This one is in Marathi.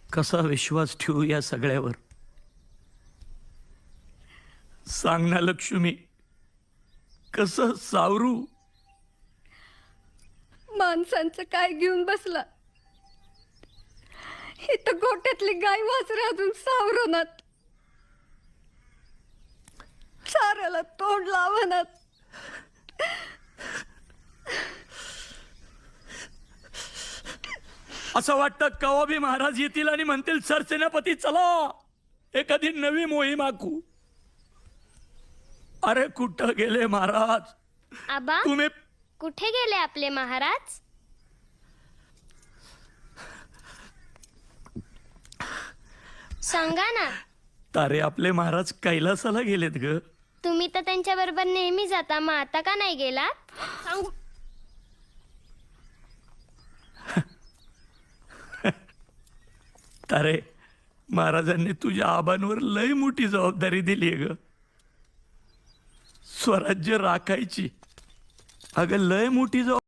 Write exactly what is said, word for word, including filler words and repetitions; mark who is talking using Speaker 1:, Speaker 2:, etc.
Speaker 1: कसा विश्वास ठेवू या सगळ्यावर? सांग ना लक्ष्मी, कसं सावरू?
Speaker 2: माणसांचं काय घेऊन बसला? ही तर गोट्यातली गाय वासरे अजून सावरणात, साऱ्याला तोंड लावणात.
Speaker 1: असं वाटतं कवा बी महाराज येतील आणि म्हणतील सरसेनापती चला एखादी नवी मोहीम आखू. अरे कुठं गेले महाराज?
Speaker 3: आबा
Speaker 1: तुम्ही
Speaker 3: कुठे गेले आपले महाराज? सांगा ना.
Speaker 1: तारे आपले महाराज कैलासाला गेलेत ग.
Speaker 3: तुम्ही तर त्यांच्या बरोबर नेहमी जाता, मग आता का नाही गेलात? सांगू.
Speaker 1: तारे महाराजांनी तुझ्या आबांवर लय मोठी जबाबदारी दिली ग. स्वराज्य राखायची. अगं लय मोठी जबाबदारी.